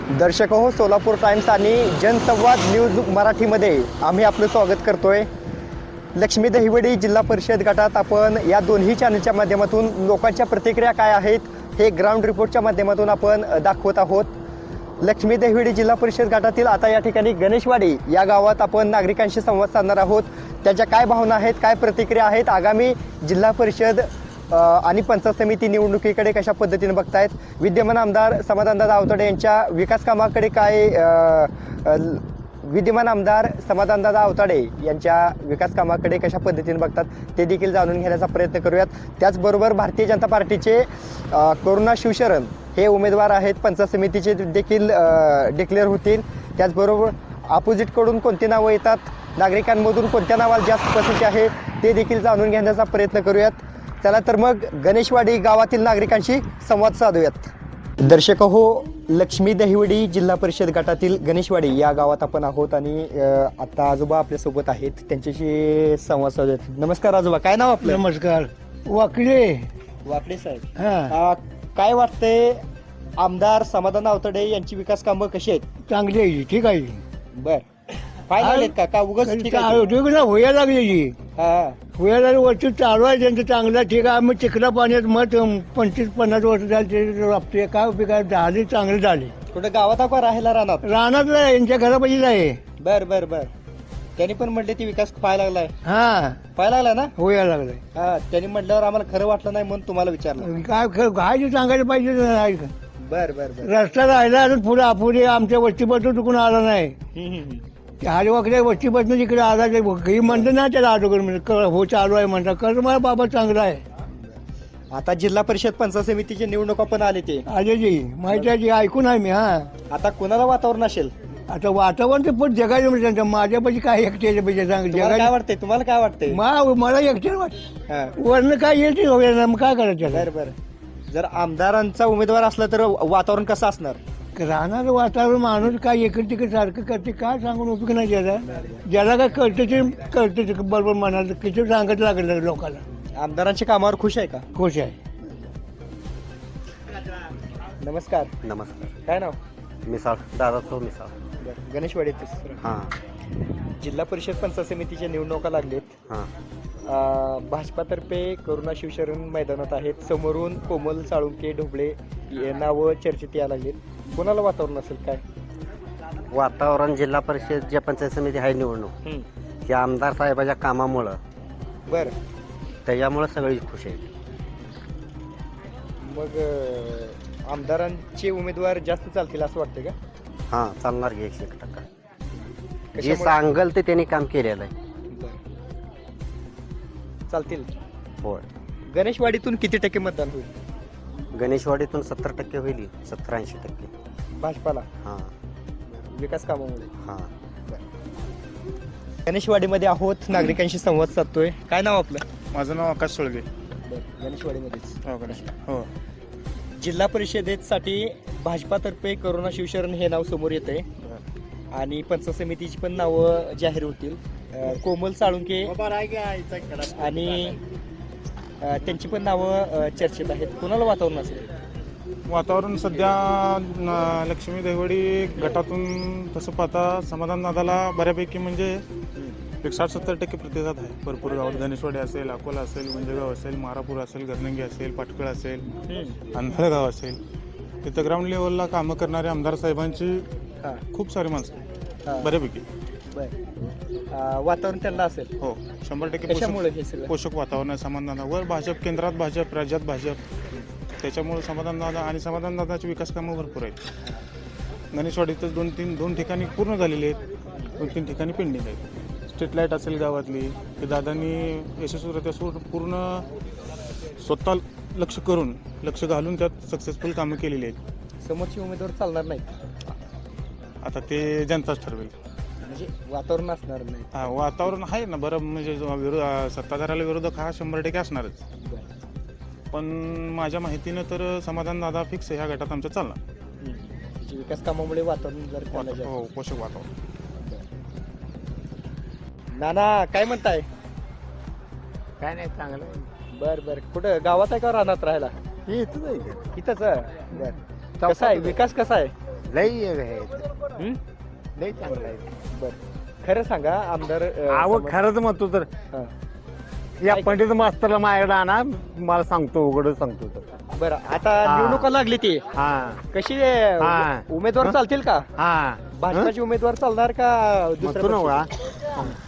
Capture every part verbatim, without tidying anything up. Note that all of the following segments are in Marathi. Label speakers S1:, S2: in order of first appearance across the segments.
S1: दर्शक हो, सोलापूर टाइम्स आणि जनसंवाद न्यूज मराठीमध्ये आम्ही आपलं स्वागत करतोय। लक्ष्मी दहिवडी जिल्हा परिषद गटात आपण या दोन्ही चॅनलच्या माध्यमातून लोकांच्या प्रतिक्रिया काय आहेत हे ग्राउंड रिपोर्टच्या माध्यमातून आपण दाखवत आहोत। लक्ष्मी दहिवडी जिल्हा परिषद गटातील आता या ठिकाणी गणेशवाडी या गावात आपण नागरिकांशी संवाद साधणार आहोत। त्यांच्या काय भावना आहेत, काय प्रतिक्रिया आहेत, आगामी जिल्हा परिषद आणि पंचायत समिती निवडणुकीकडे कशा पद्धतीने बघतायत, विद्यमान आमदार समाधानदादा आवताडे यांच्या विकास कामाकडे काय विद्यमान आमदार समाधानदादा आवताडे यांच्या विकास कामाकडे कशा पद्धतीने बघतात ते देखील जाणून घेण्याचा प्रयत्न करूयात। त्याचबरोबर भारतीय जनता पार्टीचे करुणा शिवशरण हे उमेदवार आहेत, पंचायत समितीचे देखील डिक्लेअर होतील। त्याचबरोबर अपोजिटकडून कोणती नावं येतात, नागरिकांमधून कोणत्या नावाला जास्त पसंती आहे ते देखील जाणून घेण्याचा प्रयत्न करूयात। चला तर मग गणेशवाडी गावातील नागरिकांशी संवाद साधूयात। दर्शक हो, लक्ष्मी दहिवडी जिल्हा परिषद गटातील गणेशवाडी या गावात आपण आहोत आणि आता आजोबा आपल्या सोबत आहेत, त्यांच्याशी संवाद साधूयात। नमस्कार आजोबा, काय नाव आपलं?
S2: नमस्कार, वाकडे
S1: वाकडे साहेब।
S2: हा,
S1: काय वाटतंय, आमदार समाधान आवताडे यांची विकास कामं कशी आहेत?
S2: चांगली आहे, ठीक आहे।
S1: बर, काय लागलेत का का उगाच ठीक आहे?
S2: होया लागली,
S1: हा
S2: होया लागली, वर्ष चालू आहे त्यांचं चांगलं, ठीक आहे। मग चिखला पाण्यात मत पंचवीस पन्नास वर्ष झाले राबते, काय उपयोग आहे, झाले चांगले झाले।
S1: कुठं गावात आपण राहायला राहणार?
S2: रानात यांच्या घरापाशीच आहे।
S1: बर बर बर, त्यांनी पण म्हटले ती विकास पाहायला लागलाय,
S2: हा
S1: पाहायला लागला ना?
S2: होया लागलाय।
S1: हा, त्यांनी म्हटल्यावर आम्हाला खरं वाटलं नाही म्हणून तुम्हाला विचारलं।
S2: काय काय जे सांगायला पाहिजे नाही का?
S1: बर बर बर,
S2: रस्ता राहिला अजून पुढे अपुरे आमच्या वस्तीपासून चुकून आला नाही।
S1: हम्म, हम्म.
S2: हरिवाकडे वस्तीपासून इकडे आला ते काही म्हणतं ना त्याला अगोदर म्हणजे हो चालू आहे म्हणता, कर मला बाबा चांगला आहे।
S1: आता जिल्हा परिषद पंचायत समितीची निवडणुका पण आली ते
S2: अजय जी माहिती आहे, जी ऐकून आहे मी। हा,
S1: आता कोणाला वातावरण असेल?
S2: आता वातावरण ते पण जगायचं म्हणजे त्यांच्या माझ्यापाशी काय एकट्याच्या पाहिजे सांग,
S1: तुम्हाला काय
S2: जगायचं
S1: वाटतंय, तुम्हाला काय वाटतंय?
S2: मा- मला एकट्याला वाट
S1: हा,
S2: वरनं काय येईल ते होईल, मग काय करायचं?
S1: बर बर, जर आमदारांचा उमेदवार असला तर वातावरण कसं असणार?
S2: राहणारं वातावरण माणूस काय इकडे तिकडे सारखं करते, काय सांगून उपयोग नाही ज्याला ज्याला काय कळतं ते कळतं ते बरोबर म्हणाल किती सांगत लागलं लोकांना।
S1: आमदारांच्या कामावर खुश आहे का?
S2: खुश आहे।
S1: नमस्कार,
S3: नमस्कार,
S1: काय नाव?
S3: मिसाळ दादाचो मिसाळ।
S1: बरं, गणेशवाडी
S3: हां
S1: जिल्हा परिषद पंचायत समितीच्या निवडणुका लागलेत।
S3: हां
S1: अं, भाजपातर्फे करुणा शिवशरण मैदानात आहेत, समोरून कोमल साळुंके ढोबळे हे नावं चर्चेत यायला लागलेत। कोणाला वातावरण असेल काय?
S3: वातावरण जिल्हा परिषद जे पंचायत समिती आहे निवडणूक
S1: हम्म,
S3: ही आमदार साहेबाच्या कामामुळं
S1: बरं,
S3: त्याच्यामुळं सगळी खुश आहे।
S1: मग अं, आमदारांचे उमेदवार जास्त चालतील असं वाटतं का?
S3: हां चालणार की एकशे एक टक्का, जे
S1: कशामुळे?
S3: सांगल ते त्यांनी काम केलेलं आहे।
S1: बरं, चालतील।
S3: होय,
S1: गणेशवाडीतून किती टक्के मतदान होईल
S3: गणेशवाडीतून सत्तर टक्के होईल, सत्तर ऐंशी टक्के
S1: भाजपाला
S3: हां
S1: विकास कामामुळे?
S3: हां
S1: गणेशवाडीमध्ये आहोत, नागरिकांशी संवाद साधतोय। काय नाव आपलं?
S4: माझं नाव आकाश सोळगे।
S1: बरं, गणेशवाडीमध्येच।
S4: हो गणेश हो
S1: जिल्हा परिषदेसाठी भाजपातर्फे करुणा शिवशरण हे नाव समोर येत आहे आणि पंचायत समितीची पण नावं जाहीर होतील। अं, कोमल साळुंके आणि अं, त्यांची पण नावं अं, चर्चेत आहेत। कोणाला वातावरण असेल?
S4: वातावरण सध्या न- लक्ष्मी दहिवडी गटातून तसं पाहता समाधान दादाला बऱ्यापैकी म्हणजे एक साठ सत्तर टक्के प्रतिसाद आहे भरपूर गावात। गणेशवाडी असेल, अकोला असेल, गुंजेगाव असेल, मारापूर असेल, गरनंगी असेल, पाटकळ असेल, अंधळगाव असेल, तिथं ग्राउंड लेवलला कामं करणारे आमदार साहेबांची
S1: हां
S4: खूप सारी माणसं आहेत,
S1: हां,
S4: बऱ्यापैकी।
S1: बरं, वातावरण त्यांना असेल।
S4: हो शंभर टक्के
S1: कशामुळे
S4: पोषक
S1: हे सगळं?
S4: पोषक वातावरण आहे समाधानदादावर। भाजप केंद्रात भाजप, राज्यात भाजप, त्याच्यामुळे समाधानदादा आणि समाधानदादाचे विकास कामं भरपूर आहेत। गणेशवाडीतच दोन तीन दोन ठिकाणी पूर्ण झालेली आहेत, दोन तीन ठिकाणी पेंडिंग आहेत। स्ट्रीट लाईट असेल गावातली, ते दादांनी यशस्वीरित्या सु- पूर्ण स्वतः लक्ष करून लक्ष घालून त्यात सक्सेसफुल कामं केलेली आहेत।
S1: समोरचे उमेदवार चालणार नाहीत,
S4: आता ते जनताच ठरवेल।
S1: म्हणजे वातावरण असणार नाही।
S4: हा वातावरण आहे ना बरं, म्हणजे जो विरोध सत्ताधाऱ्याला विरोधक हा शंभर टक्के असणारच,
S1: बरं,
S4: पण माझ्या माहितीनं तर समाधान दादा फिक्स ह्या गटात आमच्या चालणार।
S1: हम्म. त्याची विकास कामामुळे वातावरण जर त्यांना
S4: वाता-
S1: जास्त-
S4: हो पोषक वातावरण।
S1: नाना काय म्हणताय?
S2: काय नाही चांगलं
S1: बर बर, कुठं गावात आहे का रानात राहायला?
S3: हे इथंच आहे
S1: इथंच आहे? बर, कसा आहे विकास, कसा आहे?
S5: लई आहे
S1: हं?
S5: लई चांगलं आहे
S1: बरं खरं सांगा आमदार अं,
S5: अहो
S1: समज-
S5: खरंच म्हणतो तर
S1: हां.
S5: या पंडित मास्तरला माझ्याकडे आणा मला सांगतो उघड सांगतो तर
S1: बरं आता
S5: हां.
S1: निवडणुका लागली ती
S5: हा
S1: कशी आहे?
S5: हां.
S1: उमेदवार चालतील का
S5: हा
S1: भाजपाचे उमेदवार चालणार का
S5: म्हणतो ना
S1: दुसऱ्या
S5: वा
S1: पक्षाचे?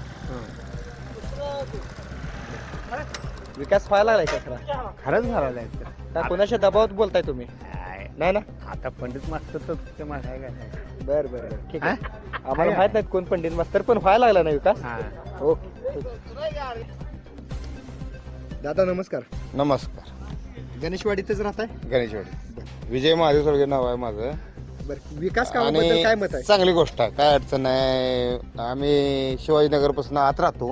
S1: विकास व्हायला लागलाय का खरा
S5: खरंच झालेलं आहे तर.
S1: का कोणाच्या दबावात बोलताय तुम्ही
S5: काय,
S1: नाही ना
S5: आता पंडित मास्तर तर ते मला आहे काय
S1: बर बर बर ठीक आहे
S5: हा?
S1: आम्हाला माहित नाहीत कोण पंडित मास्तर पण व्हायला लागला ना विकास
S5: हा
S1: ओके ठीक. दादा नमस्कार
S6: नमस्कार
S1: गणेशवाडीतच राहताय
S6: गणेशवाडी विजय महादेव सोळगे नाव आहे माझं
S1: बरं विकास कामाबद्दल काय मत आहे
S6: चांगली गोष्ट आहे काय अडचण नाही आम्ही शिवाजीनगर पासून आत राहतो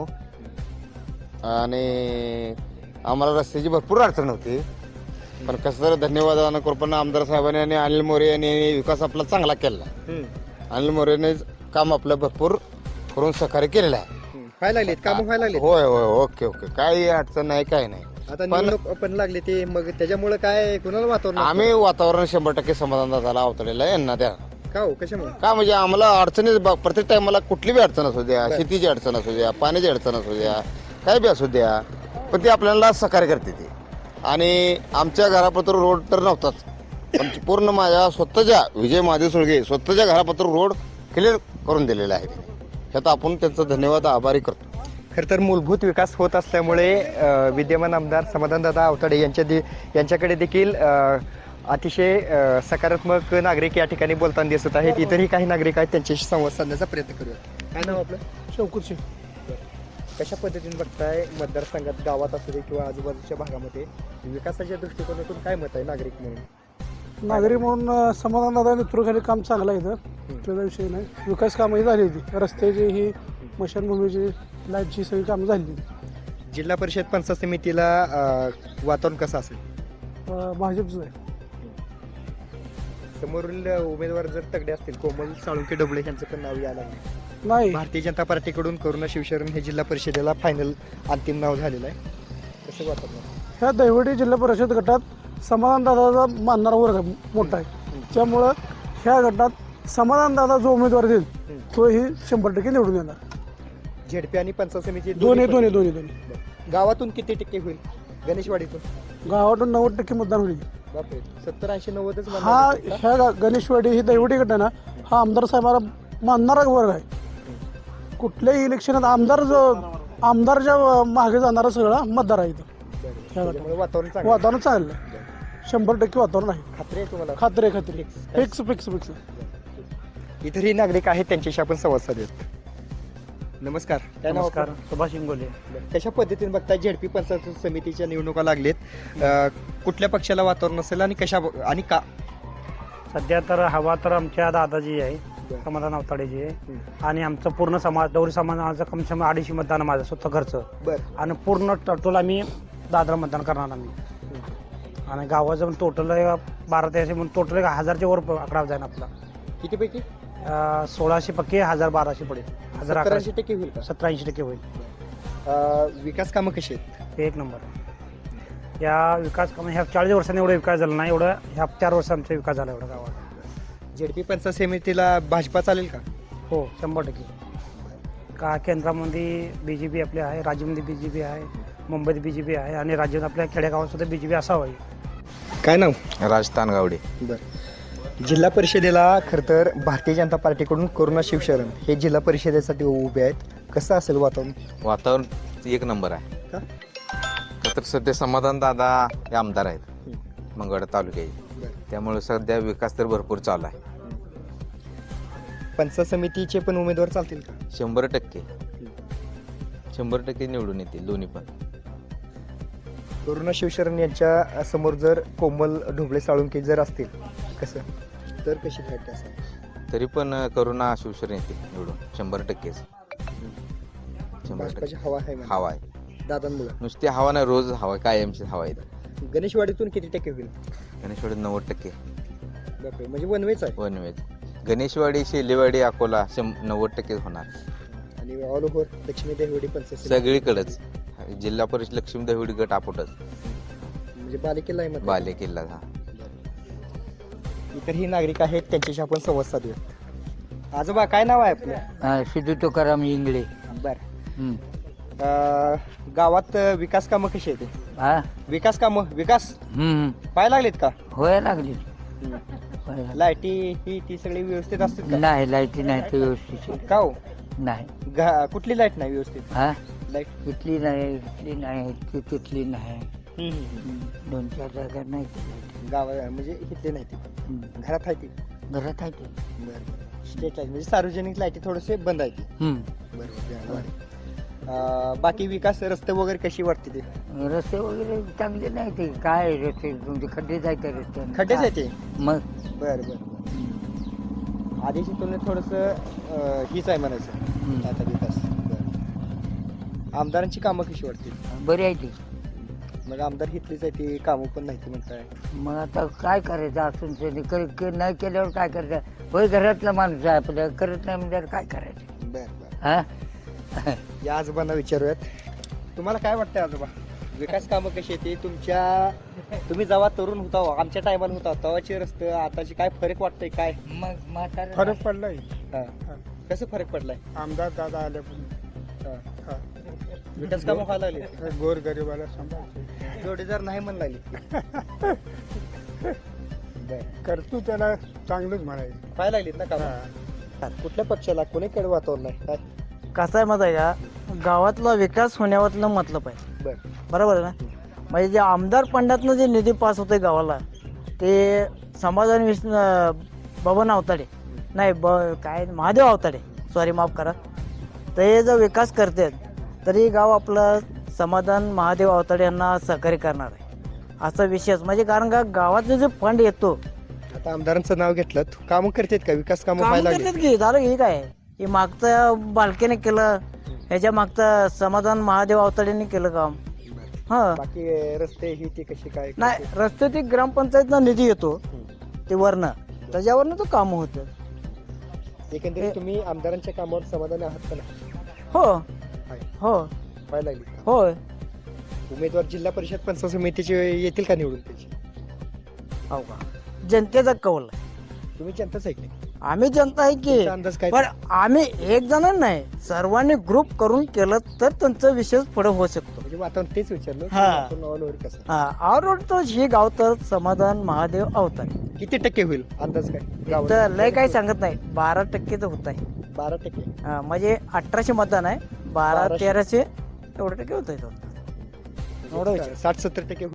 S6: आणि आम्हाला रस्त्याची भरपूर अडचण होती पण कसं तर धन्यवाद कृपा आमदार साहेबांनी आणि अनिल मोरे यांनी विकास आपला चांगला केला
S1: हम्म.
S6: अनिल मोरेने काम आपलं भरपूर करून सहकार्य केलेलं आहे
S1: हम्म. व्हायला लागलेत काम व्हायला लागलेत
S6: होय होय ओके ओके काही अडचण नाही काही नाही
S1: आता
S6: पण-
S1: निवडणूक पण लागले ते मग त्याच्यामुळे काय कुणाला वातावरण
S6: आम्ही वातावरण शंभर टक्के समाधान झाला अवतरलेलं आहे यांना द्या
S1: का हो कशामुळे
S6: का म्हणजे आम्हाला अडचणी ब- प्रत्येक टाइमला कुठली बी अडचण असू द्या
S1: बरं.
S6: शेतीची अडचण असू द्या पाण्याची अडचण असू द्या काय बी असू द्या पण ती आपल्याला सहकार्य करते ती आणि आमच्या घरापत्र रोड तर नव्हताच पण पूर्ण माझ्या स्वतःच्या विजय महादेव सुळगे स्वतःच्या घरापत्र रोड क्लिअर करून दिलेला आहे ह्यात आपण त्यांचं धन्यवाद आभारी करतो
S1: खरं तर मूलभूत विकास होत असल्यामुळे अ, विद्यमान आमदार समाधानदादा आवताडे यांच्या दे यांच्याकडे देखील अ, अतिशय अ, सकारात्मक नागरिक या ठिकाणी बोलताना दिसत आहेत इतरही काही नागरिक आहेत त्यांच्याशी संवाद साधण्याचा प्रयत्न करूया काय नाव आपलं
S2: चौकशी
S1: कशा पद्धतीने बघताय मतदारसंघात गावात असू दे किंवा आजूबाजूच्या भागामध्ये विकासाच्या दृष्टिकोनातून काय मत आहे नागरिक म्हणून
S7: नागरिक म्हणून अं, समाधानदादा नेतृत्वाखाली काम चांगलं आहे इथं त्याचा विषय नाही विकास कामंही झाली होती रस्त्याची ही स्मशानभूमीची लाईटची सगळी कामं झाली
S1: जिल्हा परिषद पंचायत समितीला अ, वातावरण कसं असेल
S7: अं, भाजपचं आहे
S1: समोरील उमेदवार जर तगडे असतील कोमल साळुंके डबळे यांचं पण नाव यायला लागलं
S7: नाही
S1: भारतीय जनता पार्टीकडून करुणा शिवशरण हे जिल्हा परिषदेला फायनल अंतिम नाव झालेलं आहे कसं वातावरण
S7: ह्या दैवडी जिल्हा परिषद गटात समाधानदादाचा मानणारा वर्ग आहे, मोठा आहे त्यामुळं ह्या गटात समाधानदादा जो उमेदवार देईल तो ही शंभर टक्के निवडून येणार
S1: झेडपी आणि पंचायत समिती
S7: दोन्ही
S1: पण-
S7: दोन्ही दोन्ही दोन्ही
S1: गावातून किती टक्के होईल गणेशवाडीतून
S7: गावातून नव्वद टक्के मतदान होईल
S1: बापरे सत्तर ऐंशी नव्वदच मतदान
S7: हा
S1: होतील का?
S7: ह्या गा- गणेशवाडी ही दैवटी गट आहे ना हा आमदार साहेबाला मानणारा वर्ग आहे कुठल्याही इलेक्शनात आमदार जो आमदारच्या मागे जाणारा सगळा मतदार आहे इथं
S1: बरं.
S7: ह्या गटात.
S1: त्याच्यामुळे वातावरण चांगलं आहे.
S7: वातावरण चांगलं आहे शंभर टक्के वातावरण आहे
S1: खात्री आहे तुम्हाला
S7: खात्री आहे, खात्री फिक्स फिक्स फिक्स
S1: इतरही नागरिक आहेत त्यांच्याशी आपण संवाद साधूयात नमस्कार काय नाव
S5: नमस्कार
S1: आपलं?
S5: सुभाष इंगोले
S1: कशा पद्धतीने बघताय झेडपी पंचायत समितीच्या निवडणुका लागलेत अं, कुठल्या पक्षाला वातावरण असेल आणि कशा आणि का
S5: सध्या तर हवा तर आमच्या दादाजी आहे
S1: बरं.
S5: समाधान अवताडेजी आहे
S1: हम्म.
S5: आणि आमचं पूर्ण समाज डवरी समाजाचं कम से कम अडीचशे मतदान आहे माझं स्वतः घरचं
S1: बर
S5: आणि पूर्ण टोटल आम्ही दादरा मतदान करणार आम्ही आणि गावाचं टोटल बारा तेराशे म्हणून टोटल हजारच्या वर आकडा जाईल आपला
S1: किती पैकी
S5: अं, सोळाशे पक्के हजार बाराशे पडेल हजार
S1: सत्तर
S5: अकराशे
S1: ऐंशी टक्के होईल का
S5: सतरा ऐंशी टक्के होईल
S1: अं, विकास कामं कशी आहेत
S5: हे एक नंबर या विकास कामं ह्या चाळीस वर्षांनी एवढा विकास झाला नाही एवढं ह्या चार वर्ष आमचा विकास झाला एवढा गावात
S1: झेडपी पंचायत समितीला भाजपा चालेल का
S5: हो शंभर टक्के का केंद्रामध्ये बी जे पी आपले आहे राज्यामध्ये बी जे पी आहे मुंबईत बी जे पी आहे आणि राज्यात आपल्या खेडेगावात सुद्धा बी जे पी असावं
S1: काय नाव
S6: राजस्थान गावडे
S1: बर जिल्हा परिषदेला खरं तर भारतीय जनता पार्टीकडून करुणा शिवशरण हे जिल्हा परिषदेसाठी उभे आहेत कसं असेल वातावरण
S8: वातावरण एक नंबर आहे
S1: का?
S8: का तर सध्या समाधान दादा हे आमदार आहेत मंगळवेढा तालुक्याचे
S1: बरं.
S8: त्यामुळे सध्या विकास तर भरपूर चालू आहे
S1: पंचायत समितीचे पण उमेदवार चालतील का
S8: शंभर टक्के शंभर टक्के निवडून येतील दोन्ही पण
S1: करुणा शिवशरण यांच्या समोर जर कोमल ढोबळे साळुंके जर असतील कसं तर कशी फाईट असेल
S8: तरी पण करुणा शिवशरण येतील निवडून शंभर टक्केच शंभर
S1: भाजपाची
S8: टक्के
S1: हवा आहे म्हणा.
S8: हवा आहे
S1: दादांमुळे
S8: नुसती हवा नाही रोज हवा कायमची हवा आहे
S1: गणेशवाडीतून किती टक्के होईल
S8: गणेशवाडी नव्वद टक्के
S1: बापरे म्हणजे वनवेच आहे
S8: वनवेज गणेशवाडी शेलेवाडी अकोला शं नव्वद टक्के होणार
S1: आणि ऑल ओव्हर लक्ष्मी देवडी पंचायत समिती.
S8: सगळीकडेच जिल्हा परिषद लक्ष्मी दहिवडी गट आपटच
S1: म्हणजे बालेकिल्ला आहे मग
S8: बाले किल्ला हा
S1: इतरही नागरिक आहेत त्यांच्याशी आपण संवाद साधूयात. आजोबा काय नाव आहे आपलं?
S2: सिद्धू तुकाराम इंगळे.
S1: बरं. अं, गावात अं, विकास कामं कशी आहेत?
S2: हा
S1: विकास कामं विकास पाहायला लागलेत का?
S2: होय लागली.
S1: लाईटी ही ती सगळी व्यवस्थित असतात का?
S2: नाही लाईटी नाही तर व्यवस्थित
S1: का हो?
S2: नाही.
S1: घा- कुठली लाईट नाही व्यवस्थित?
S2: हा
S1: लाईट
S2: इथली नाही इथली नाही ती तिथली नाही. दोन चार जागा नाही ती लाईट.
S1: गाव म्हणजे इथले नाही ती
S2: हम्म.
S1: घरात आहे ती.
S2: घरात आहे ती.
S1: बरं. स्टेट लाईट म्हणजे सार्वजनिक लाईटी थोडेसे बंद आहे ती.
S2: हम्म.
S1: बरोबर. अं, बाकी विकास रस्ते वगैरे कशी वाटते ते?
S2: रस्ते वगैरे चांगले नाही ते काय रस्ते तुमचे खड्डे जायचे रस्ते
S1: खड्डेच आहे ते?
S2: मग
S1: बरं बरं. आधीची तुलनेत थोडस हीच आहे म्हणायचं
S2: हम्म.
S1: आता विकास. बरं. आमदारांची कामं कशी वाटतील?
S2: बरी आहे ती.
S1: मग आमदार हितलीच आहे ती कामं पण नाही ती म्हणताय.
S2: मग आता काय करायचं असून ते कर- कर- नाही केल्यावर काय करायचं? होय घरातला माणूस आहे आपल्या करत नाही म्हणजे काय करायचं?
S1: बरं बरं.
S2: हा
S1: या आजोबांना विचारूयात. तुम्हाला काय वाटतंय आजोबा? विकास कामं कशी येते तुमच्या? तुम्ही जेव्हा तरुण होता हो, आमच्या टायमाला होता तेव्हाचे रस्ते आताचे काय फरक वाटतंय काय?
S2: मग म्हातारा
S7: फरक पडलाय.
S1: हा. कसं फरक पडलाय?
S7: आमदार दादा आल्यापासून
S1: हा. विकास कामं व्हायला लागली?
S7: गोर गरीबाला सांभाळते.
S1: जोडीदार नाही म्हणून लागली. बरं.
S7: करतो त्याला चांगलंच म्हणायचं.
S1: व्हायला लागलीत ना कामं? कुठल्या पक्षाला कोणीकडे वातावरण आहे काय?
S5: कसं आहे माहिती आहे का, गावातला विकास होण्यावरलं मतलब आहे.
S1: बरं.
S5: बरोबर आहे ना. म्हणजे जे आमदार फंडातनं जे निधी पास होते गावाला ते समाधान विस बबन अवताडे नाही ब काय महादेव अवताडे सॉरी माफ करा. ते जर विकास करतात तरी गाव आपलं समाधान महादेव अवताडे यांना सहकार्य करणार आहे असा विशेष. म्हणजे कारण का गावातलं जे फंड येतो
S1: आता आमदारांचं नाव घेतलं कामं करतात का? विकास कामं
S5: काम
S1: व्हायला
S5: करतात
S1: लागली?
S5: की झालं हे काय हे मागचं बालकेने केलं ह्याच्या मागचं समाधान महादेव अवताडेने केलं काम. हा
S1: बाकी रस्ते ही ती कशी काय?
S5: नाही रस्ते ते ग्रामपंचायतनं निधी येतो ते वरनं त्याच्यावरनं तो काम होतं.
S1: एकंदरीत तुम्ही आमदारांच्या कामावर समाधानी आहात का नाही?
S5: हो
S1: आहे.
S5: हो
S1: व्हायला लागली का?
S5: होय.
S1: उमेदवार जिल्हा परिषद पंचायत समितीचे येतील का निवडून त्याची?
S5: हो का जनतेचा कौल आहे.
S1: तुम्ही जनताच आहे की?
S5: आम्ही जनता आहे की
S1: तुमचा अंदाज काय?
S5: पण आम्ही एक जण नाही सर्वांनी ग्रुप करून केलं तर त्यांचं विशेष पुढे होऊ शकतो.
S1: म्हणजे वातावरण तेच विचारलं की
S5: हा.
S1: वातावरण ऑल कसं?
S5: हा ऑलरोड तर ही गाव तर समाधान महादेव अवताडे
S1: किती टक्के होईल अंदाज काय? गावात?
S5: तर लय काही सांगत नाही बारा टक्के तर होत आहे.
S1: बारा टक्के.
S5: हा, म्हणजे अठराशे मतदान आहे बारा
S1: बाराशे.
S5: तेराशे एवढे टक्के होत आहे. एवढं विचार.
S1: साठ सत्तर टक्के